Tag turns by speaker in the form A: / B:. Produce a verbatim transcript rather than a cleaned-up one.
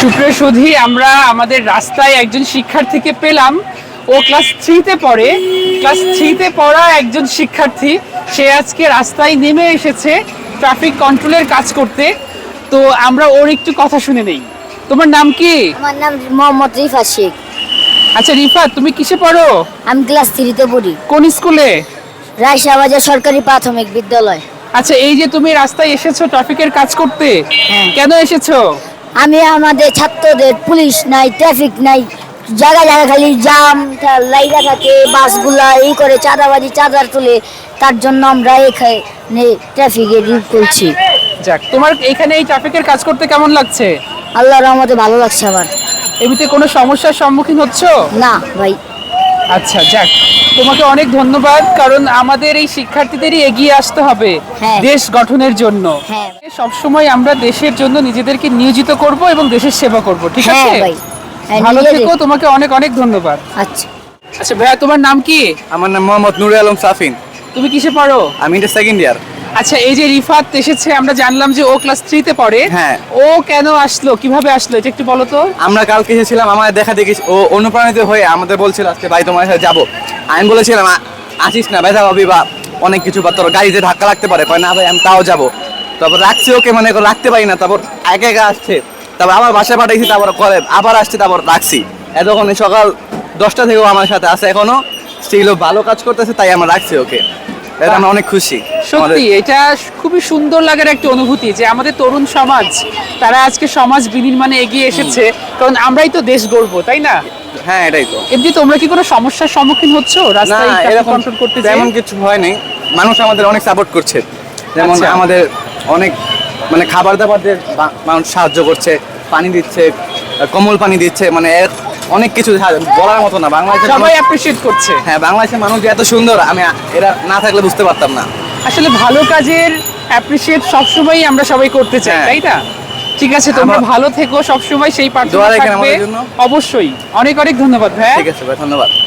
A: সুপ্রিয় সুধী, আমরা আমাদের রাস্তায় একজন শিক্ষার্থীকে পেলাম। ও ক্লাস থ্রিতে পড়ে। ক্লাস থ্রিতে পড়া একজন শিক্ষার্থী, সে আজকে রাস্তায় নেমে এসেছে ট্রাফিক কন্ট্রোলের কাজ করতে। তো আমরা ওর একটু কথা শুনে নেই। তোমার নাম কি?
B: আমার নাম মোহাম্মদ রিফাত শেখ।
A: আচ্ছা রিফাত, তুমি কিসে পড়ো?
B: আমি ক্লাস থ্রিতে পড়ি,
A: কোন স্কুলে?
B: রায়শাহবাজার সরকারি প্রাথমিক বিদ্যালয়।
A: আচ্ছা, এই যে তুমি রাস্তায় এসেছো ট্রাফিকের কাজ করতে,
B: হ্যাঁ।
A: কেন এসেছো?
B: আমি আমাদের ছাত্রদের পুলিশ নাই, ট্রাফিক নাই, জায়গা জায়গা খালি জাম লাইগা থাকে, বাসগুলা এই করে চাঁদাবাজি চাঁদার তুলে, তার জন্য আমরা এখানে ট্রাফিকে রিপ করছি।
A: যাক, তোমার এখানে এই ট্রাফিকের কাজ করতে কেমন লাগছে?
B: আল্লাহর রহমতে ভালো লাগছে আমার।
A: এমনিতে কোনো সমস্যার সম্মুখীন হচ্ছো?
B: না ভাই।
A: আচ্ছা, যাক, তোমাকে অনেক ধন্যবাদ, কারণ আমাদের এই শিক্ষার্থীদেরই এগিয়ে আসতে হবে
B: হ্যাঁ।
A: দেশ গঠনের জন্য।
B: হ্যাঁ।
A: সবসময় আমরা দেশের জন্য নিজেদেরকে নিয়োজিত করব এবং দেশের সেবা করব, ঠিক
B: হ্যাঁ
A: আছে?
B: ভাই। হ্যাঁ,
A: ভালো
B: নিজেদের-
A: থেকো, তোমাকে অনেক অনেক ধন্যবাদ।
B: আচ্ছা।
A: আচ্ছা ভাইয়া, তোমার নাম কি?
C: আমার নাম মোহাম্মদ নুরে আলম সাফিন।
A: তুমি কিসে পড়ো?
C: আমি এটা সেকেন্ড ইয়ার।
A: আচ্ছা, এই যে রিফাত এসেছে, আমরা জানলাম যে ও ক্লাস থ্রিতে পড়ে।
C: হ্যাঁ।
A: ও কেন আসলো, কিভাবে আসলো, এটা একটু বলো তো।
C: আমরা কালকে এসেছিলাম, আমাদের দেখা দেখি ও অনুপ্রাণিত হয়ে আমাদের বলছিল আজকে ভাই তোমার সাথে যাবো। আমি বলেছিলাম "আ- আসিস না, ব্যথা পাবি বা অনেক কিছু, বা তোর গাড়িতে ধাক্কা লাগতে পারে। কয় না ভাই, আমি তাও যাবো। তারপর রাখছি ওকে, মানে এখন রাখতে পারি না। তারপর একা একা আসছে, তারপর আবার বাসায় পাঠাইছি, তারপর করে আবার আসছে, তারপর রাখছি। এতক্ষণ সকাল দশটা থেকেও আমার সাথে আছে, এখনো স্টিল ভালো কাজ করতেছে, তাই আমরা রাখছি ওকে। এটা আমরা অনেক খুশি।
A: সত্যি এটা খুবই সুন্দর লাগার একটা অনুভূতি যে আমাদের তরুণ সমাজ, তারা আজকে সমাজ বিনির্মাণে এগিয়ে এসেছে, কারণ আমরাই তো দেশ গড়বো, তাই না?
C: হ্যাঁ, এটাই তো।
A: এমনি তোমরা কি কোনো সমস্যার সম্মুখীন হচ্ছো
C: না,
A: রাস্তায়
C: এরকম
A: কন্ট্রোল করতে যেয়ে?
C: তেমন কিছু হয় নাই। মানুষ আমাদের অনেক সাপোর্ট করছে, যেমন
A: আচ্ছা।
C: আমাদের অনেক মানে খাবার দাবার দিয়ে বা- মানুষ সাহায্য করছে, পানি দিচ্ছে, কমল পানি দিচ্ছে, মানে এর অনেক কিছু সাহায্য- বলার মতো না। বাংলাদেশের
A: সবাই
C: মানুষ-
A: অ্যাপ্রিশিয়েট করছে।
C: হ্যাঁ, বাংলাদেশের মানুষ যে এত সুন্দর, আমি আ- এরা না থাকলে বুঝতে পারতাম না।
A: আসলে ভালো কাজের অ্যাপ্রিশিয়েট সবসময়ই আমরা সবাই করতে চাই,
C: হ্যাঁ।
A: তাই না? ঠিক আছে, তোমরা
C: আমরা-
A: ভালো থেকো, সবসময় সেই প্রার্থনা
C: দোয়া রাখেন
A: থাকবে।
C: আমাদের জন্য।
A: অবশ্যই, অনেক অনেক ধন্যবাদ ভাই।
C: ঠিক আছে ভাই, ধন্যবাদ।